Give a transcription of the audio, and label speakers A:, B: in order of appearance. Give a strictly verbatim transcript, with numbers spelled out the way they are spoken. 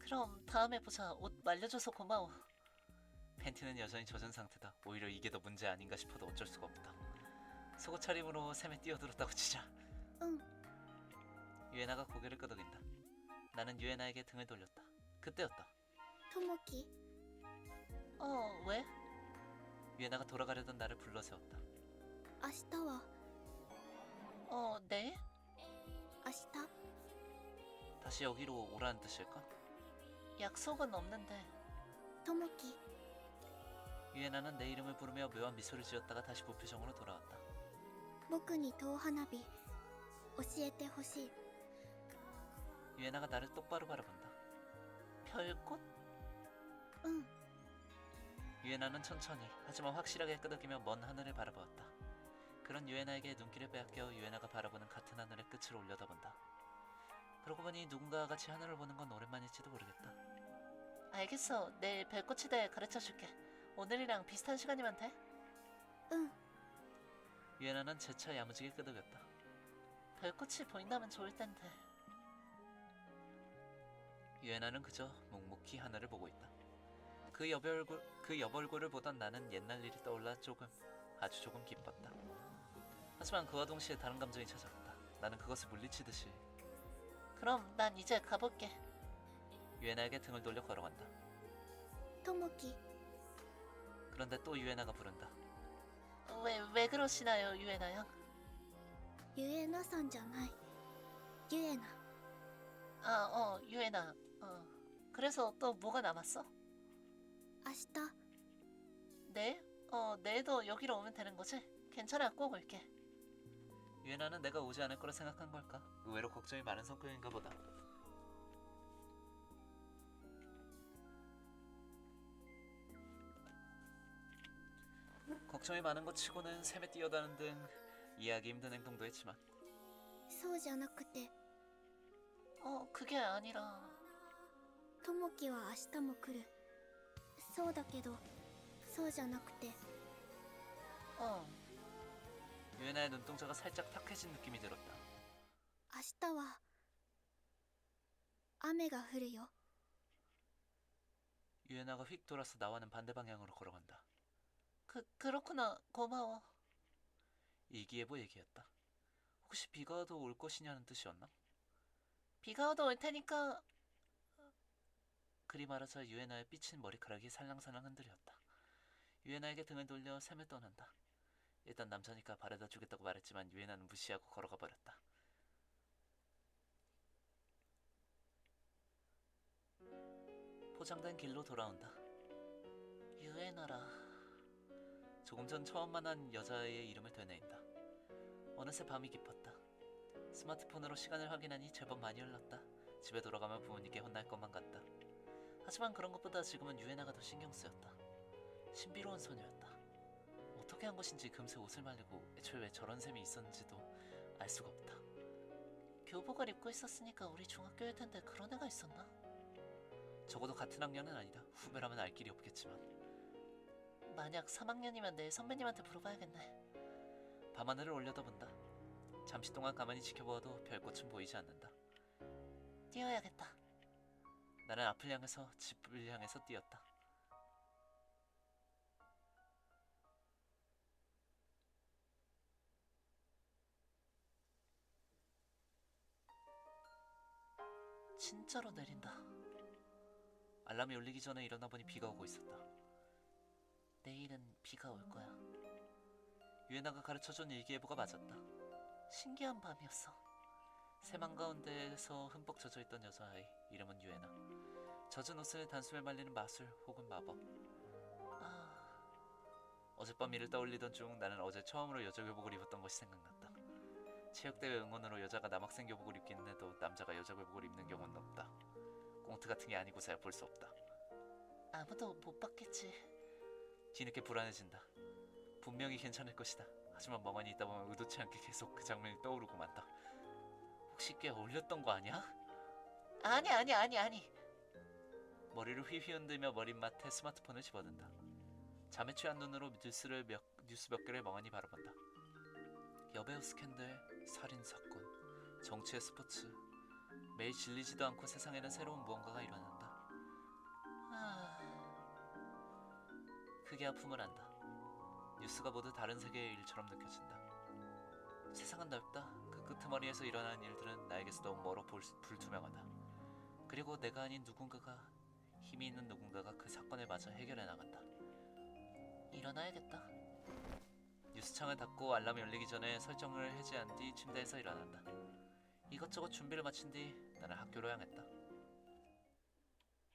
A: 그럼 다음에 보자. 옷 말려줘서 고마워. 팬티는 여전히 젖은 상태다. 오히려 이게 더 문제 아닌가 싶어도 어쩔 수가 없다. 속옷 차림으로 샘에 뛰어들었다고 치자.
B: 응.
A: 유에나가 고개를 끄덕인다. 나는 유에나에게 등을 돌렸다. 그때였다.
B: ともき
A: 어, 왜? 유에나가 돌아가려던 나를 불러세웠다.
B: 明日は
A: 어, 내일?
B: 明日
A: 다시 여기로 오라는 뜻일까? 약속은 없는데.
B: ともき
A: 유에나는 내 이름을 부르며 묘한 미소를 지었다가 다시 무표정으로 돌아왔다.
B: 僕に遠花火教えてほしい
A: 유에나가 나를 똑바로 바라본다. 별꽃?
B: うん
A: 유에나는 천천히 하지만 확실하게 끄덕이며 먼 하늘을 바라보았다. 그런 유에나에게 눈길을 빼앗겨 유에나가 바라보는 같은 하늘의 끝을 올려다본다. 그러고 보니 누군가와 같이 하늘을 보는 건 오랜만일지도 모르겠다. 알겠어. 내일 별꽃에 대해 가르쳐줄게. 오늘이랑 비슷한 시간이면 돼?
B: うん
A: 유에나는 재차 야무지게 끄덕였다. 별꽃이 보인다면 좋을 텐데. 유에나는 그저 묵묵히 하늘을 보고 있다. 그 여배 얼굴, 그 여보 얼굴을 보던 나는 옛날 일이 떠올라 조금, 아주 조금 기뻤다. 하지만 그와 동시에 다른 감정이 찾아왔다. 나는 그것을 물리치듯이. 그럼 난 이제 가볼게. 유에나에게 등을 돌려 걸어간다.
B: ともき
A: 그런데 또 유에나가 부른다. 왜, 왜 그러시나요, 유에나 양?
B: ゆえなさんじゃないゆえな
A: 아, 어, 유에나. 어. 그래서 또 뭐가 남았어?
B: 明日
A: 내일? 어, 내일도 여기로 오면 되는 거지? 괜찮아, 꼭 올게. 유에나는 내가 오지 않을 거라 생각한 걸까? 의외로 걱정이 많은 성격인가 보다. 걱정이 많은 것 치고는 샘에 뛰어다는 등 이해하기 힘든 행동도 했지만
B: そうじゃなくて
A: 어, 그게 아니라
B: ともきは明日も来るそうだけどそうじゃなくて
A: 어. 유에나의 눈동자가 살짝 탁해진 느낌이 들었다.
B: 明日は雨が降るよ
A: 유에나가 휙 돌아서 나와는 반대 방향으로 걸어간다. 그, 그렇구나. 고마워. 일기예보 얘기였다. 혹시 비가 와도 올 것이냐는 뜻이었나? 비가 와도 올 테니까... 그리 말하자 유에나의 삐친 머리카락이 살랑살랑 흔들렸다. 유에나에게 등을 돌려 샘을 떠난다. 일단 남자니까 바래다 주겠다고 말했지만 유에나는 무시하고 걸어가 버렸다. 포장된 길로 돌아온다. 유에나라... 조금 전 처음 만난 여자의 이름을 되뇌인다. 어느새 밤이 깊었다. 스마트폰으로 시간을 확인하니 제법 많이 흘렀다. 집에 돌아가면 부모님께 혼날 것만 같다. 하지만 그런 것보다 지금은 유에나가 더 신경 쓰였다. 신비로운 소녀였다. 어떻게 한 것인지 금세 옷을 말리고 애초에 왜 저런 셈이 있었는지도 알 수가 없다. 교복을 입고 있었으니까 우리 중학교일 텐데 그런 애가 있었나? 적어도 같은 학년은 아니다. 후배라면 알 길이 없겠지만 만약 삼 학년이면 내일 선배님한테 물어봐야겠네. 밤하늘을 올려다본다. 잠시 동안 가만히 지켜보아도 별꽃은 보이지 않는다. 뛰어야겠다. 나는 앞을 향해서 집을 향해서 뛰었다. 진짜로 내린다. 알람이 울리기 전에 일어나 보니 비가 오고 있었다. 내일은 비가 올 거야. 유에나가 가르쳐준 일기예보가 맞았다. 신기한 밤이었어. 샘 한가운데에서 흠뻑 젖어있던 여자아이. 이름은 유에나. 젖은 옷을 단숨에 말리는 마술 혹은 마법. 아... 어젯밤 일을 떠올리던 중 나는 어제 처음으로 여자 교복을 입었던 것이 생각났다. 체육대회 응원으로 여자가 남학생 교복을 입기는 해도 남자가 여자 교복을 입는 경우는 없다. 꽁트 같은 게 아니고서야 볼 수 없다. 아무도 못 봤겠지. 뒤늦게 불안해진다. 분명히 괜찮을 것이다. 하지만 멍하니 있다 보면 의도치 않게 계속 그 장면이 떠오르고 만다. 혹시 꽤 어울렸던 거 아니야? 아니 아니 아니 아니. 머리를 휘휘 흔들며 머릿맡에 스마트폰을 집어든다. 잠에 취한 눈으로 뉴스를 몇, 뉴스 몇 개를 멍하니 바라본다. 여배우 스캔들, 살인사건, 정치의 스포츠. 매일 질리지도 않고 세상에는 새로운 무언가가 일어난다. 크게 아픔을 안다. 뉴스가 모두 다른 세계의 일처럼 느껴진다. 세상은 넓다. 그 끄트머리에서 일어나는 일들은 나에게서 너무 멀어 볼, 불투명하다. 그리고 내가 아닌 누군가가, 힘이 있는 누군가가 그 사건을 마저 해결해 나간다. 일어나야겠다. 뉴스창을 닫고 알람이 울리기 전에 설정을 해제한 뒤 침대에서 일어난다. 이것저것 준비를 마친 뒤 나는 학교로 향했다.